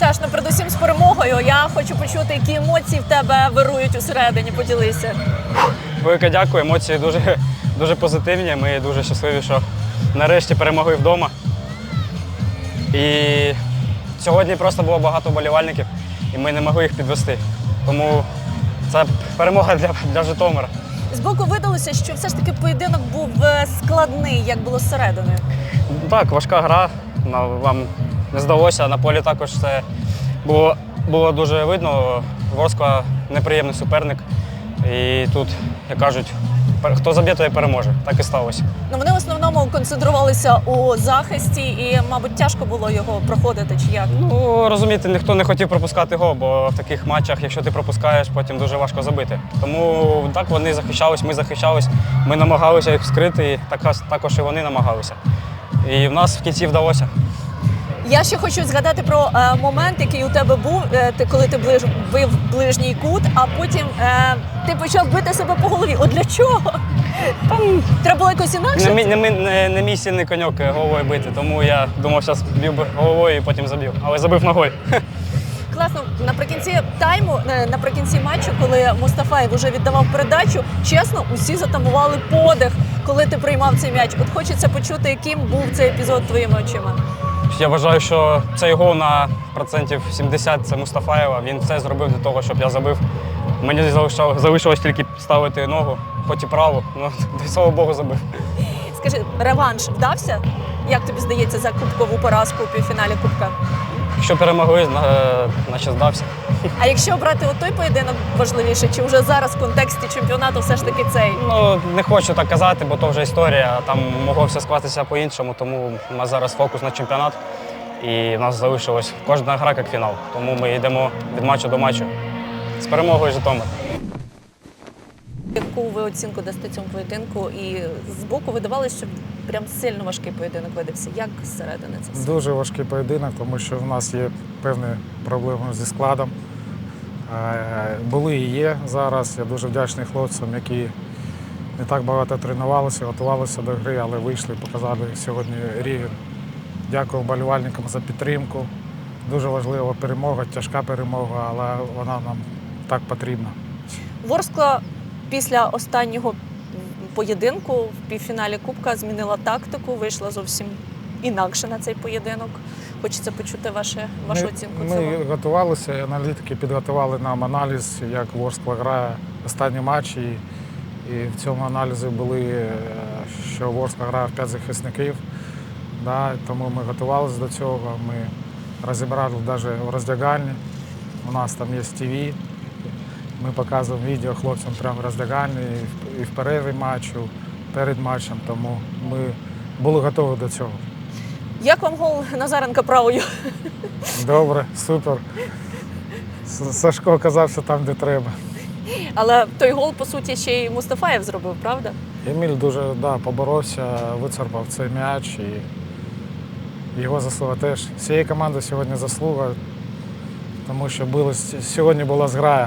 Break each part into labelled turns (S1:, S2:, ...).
S1: Саш, ну передусім з перемогою. Я хочу почути, які емоції в тебе вирують усередині. Поділися.
S2: Велике дякую, емоції дуже позитивні. Ми дуже щасливі, що нарешті перемогли вдома. І сьогодні просто було багато вболівальників, і ми не могли їх підвести. Тому це перемога для Житомира.
S1: Збоку видалося, що все ж таки поєдинок був складний, як було зсередини.
S2: Так, важка гра, вам не здалося. На полі також це було дуже видно. Ворскла неприємний суперник. І тут, як кажуть, хто заб'є, той і переможе. Так і сталося.
S1: Ну, вони в основному концентрувалися у захисті і, мабуть, тяжко було його проходити, чи як?
S2: Ну, розумієте, ніхто не хотів пропускати гол, бо в таких матчах, якщо ти пропускаєш, потім дуже важко забити. Тому так, вони захищались, ми захищались, ми намагалися їх вскрити, і також і вони намагалися. І в нас в кінці вдалося.
S1: Я ще хочу згадати про момент, який у тебе був, коли ти бив ближній кут, а потім ти почав бити себе по голові. От для чого? Там треба було якось інакше?
S2: Не мій сильний коньок головою бити, тому я думав, зараз б'ю головою і потім заб'ю. Але забив ногою.
S1: Класно. Наприкінці тайму, наприкінці матчу, коли Мустафаєв вже віддавав передачу, чесно, усі затамували подих, коли ти приймав цей м'яч. От хочеться почути, яким був цей епізод твоїми очима.
S2: Я вважаю, що цей гол на процентів 70 – це Мустафаєва. Він все зробив для того, щоб я забив. Мені залишилось тільки ставити ногу, хоч і праву, але, слава Богу, забив.
S1: Скажи, реванш вдався? Як тобі здається за кубкову поразку у півфіналі Кубка?
S2: Якщо перемогли, значить здався.
S1: А якщо брати той поєдинок важливіше, чи вже зараз в контексті чемпіонату все ж таки цей?
S2: Ну, не хочу так казати, бо то вже історія, там могло все скластися по-іншому, тому у нас зараз фокус на чемпіонат. І в нас залишилась кожна гра як фінал, тому ми йдемо від матчу до матчу з перемогою Житомир.
S1: Яку ви оцінку дасте цьому поєдинку? І збоку видавалося, що прям сильно важкий поєдинок видався. Як зсередини це все?
S3: Дуже важкий поєдинок, тому що в нас є певні проблеми зі складом. Були і є зараз. Я дуже вдячний хлопцям, які не так багато тренувалися, готувалися до гри, але вийшли, показали сьогодні рівень. Дякую вболівальникам за підтримку. Дуже важлива перемога, тяжка перемога, але вона нам так потрібна.
S1: Ворскла після останнього поєдинку в півфіналі Кубка змінила тактику, вийшла зовсім інакше на цей поєдинок. Хочеться почути вашу оцінку цього.
S3: Ми готувалися, аналітики підготували нам аналіз, як Ворскла грає останні матчі. І в цьому аналізі були, що Ворскла грає в 5 захисників. Да, тому ми готувалися до цього. Ми розібрали навіть в роздягальні. У нас там є ТВ. Ми показуємо відео хлопцям прямо в роздягальні і в перерві матчу, перед матчем. Тому ми були готові до цього.
S1: Як вам гол Назаренка правою?
S3: Добре, супер. Сашко оказався там, де треба.
S1: Але той гол, по суті, ще й Мустафаєв зробив, правда?
S3: Еміль дуже поборовся, вицарпав цей м'яч. І його заслуга теж. Всієї команди сьогодні заслуга, тому що сьогодні була зграя.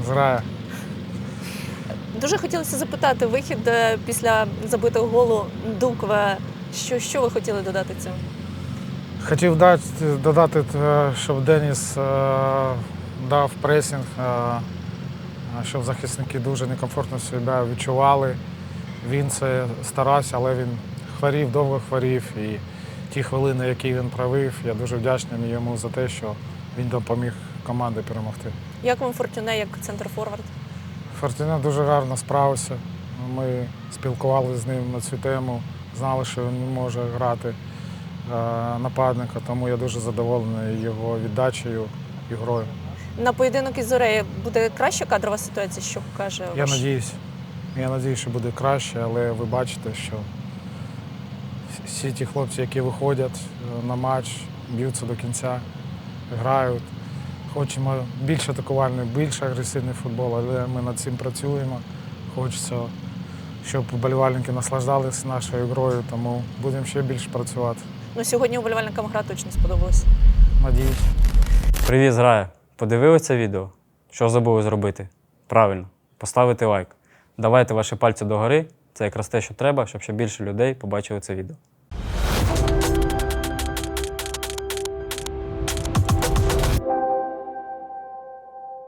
S1: Дуже хотілося запитати, вихід після забитого голу Дукве, що ви хотіли додати цьому?
S3: Хотів додати, щоб Деніс дав пресинг, щоб захисники дуже некомфортно себе відчували. Він це старався, але він хворів, довго хворів. І ті хвилини, які він провів, я дуже вдячний йому за те, що він допоміг команді перемогти.
S1: Як вам Фортюне як центр-форвард?
S3: Фортюне дуже гарно справився. Ми спілкувалися з ним на цю тему, знали, що він не може грати нападника, тому я дуже задоволений його віддачею і грою.
S1: На поєдинок із Зорею буде краща кадрова ситуація, що каже ваш?
S3: Я надіюсь, що буде краще, але ви бачите, що всі ті хлопці, які виходять на матч, б'ються до кінця, грають. Хочемо більш атакувальний, більш агресивний футбол, але ми над цим працюємо. Хочеться, щоб вболівальники наслаждалися нашою грою, тому будемо ще більше працювати.
S1: Ну, сьогодні вболівальникам гра точно сподобалась.
S3: Надіюсь.
S2: Привіт, зграя! Подивилися це відео? Що забули зробити? Правильно, поставити лайк. Давайте ваші пальці догори, це якраз те, що треба, щоб ще більше людей побачили це відео.